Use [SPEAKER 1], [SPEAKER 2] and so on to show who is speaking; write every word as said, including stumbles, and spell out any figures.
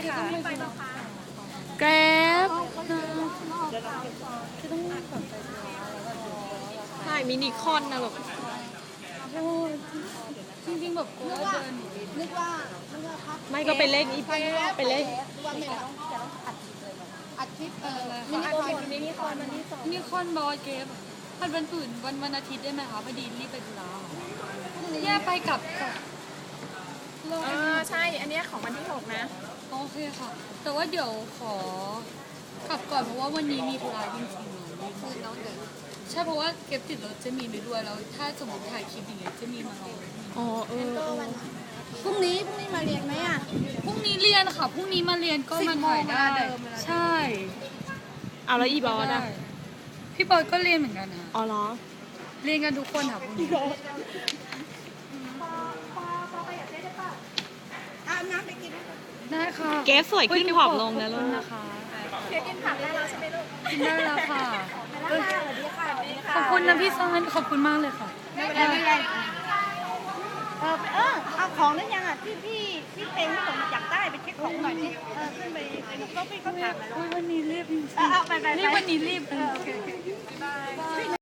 [SPEAKER 1] ค่ะ
[SPEAKER 2] แกร็บ
[SPEAKER 1] ใช่มินิคอนนะแบบ
[SPEAKER 2] จริงๆแบบกูว่าเดิน
[SPEAKER 3] นึกว่านึกว่าพัก
[SPEAKER 1] ไม่ก็ไปเล่นอี ไปเล่น
[SPEAKER 3] ว่าไม่ต้องจะต้องอัดคลิปเลยอัดคลิปเออ
[SPEAKER 1] มินิคอนมินิคอนมันที่สอง
[SPEAKER 2] มีคอนบอลเกฟมันวันอื่นวันวันอาทิตย์ได้ไหมคะพอดีรีบไปธุระแย่ไปกับกับเรา
[SPEAKER 1] เออใช่ อันเนี้ยของวันที่หกนะ
[SPEAKER 2] โอเคค่ะ แต่ว่าเดี๋ยวขอกลับก่อนเพราะว่าวันนี้มีธุระจริงๆ
[SPEAKER 3] คือน้องเด็ก
[SPEAKER 2] ใช่เพราะว่าเก็บติดรถจะมีไปด้วยแล้วถ้าสมมติถ่ายคลิปอย่างเงี้ยจะมีมาลอง
[SPEAKER 1] อ๋อเออ
[SPEAKER 3] ก็วันพรุ่งนี้พรุ่งนี้มาเรียนไหมอ่ะ
[SPEAKER 2] พรุ่งนี้เรียนค่ะพรุ่งนี้มาเรียนก็มาถ่ายได้
[SPEAKER 3] สิบโมงเวลาเดิมเวลาเดิม
[SPEAKER 2] ใช่
[SPEAKER 1] เอาแล้วอีบอสอ่ะ
[SPEAKER 2] พี่บอลก็เรียนเหมือนกันค่ะ
[SPEAKER 1] อ๋อเหรอ
[SPEAKER 2] เรียนกันทุกคนค่ะพวกนี้
[SPEAKER 3] อาบน้ำไปกิน
[SPEAKER 2] ได้ค่ะ
[SPEAKER 1] เกฟสวยขึ้นผอมลงนะ
[SPEAKER 2] ข
[SPEAKER 1] ลู
[SPEAKER 2] อบ
[SPEAKER 1] ก
[SPEAKER 2] คุณนะคะ
[SPEAKER 3] เดี๋ยวกินผักได้แล้วใช่ไหมลูก
[SPEAKER 2] กินได้แล้วค่ะ
[SPEAKER 3] สวัสดีค่ะสวัสดีค่ะ
[SPEAKER 2] ขอบคุณนะพี่ซานขอบคุณมากเลยค่ะ
[SPEAKER 3] ไม่เป็นไรไม่เป็นไรเออเออเอาของนั้นยังอ่ะที่พี่พี่เต็งที่ผมอยากได้ไปเช็คของหน่อยดิเออขึ้นไปก็พี่เขาถามมาแล้ว
[SPEAKER 2] อุ๊ยวันนี้รีบจริง
[SPEAKER 3] เออเอาไปไป
[SPEAKER 2] ๆ
[SPEAKER 3] ไป
[SPEAKER 2] รีบวันนี้รีบ
[SPEAKER 3] เออโอเคโอเค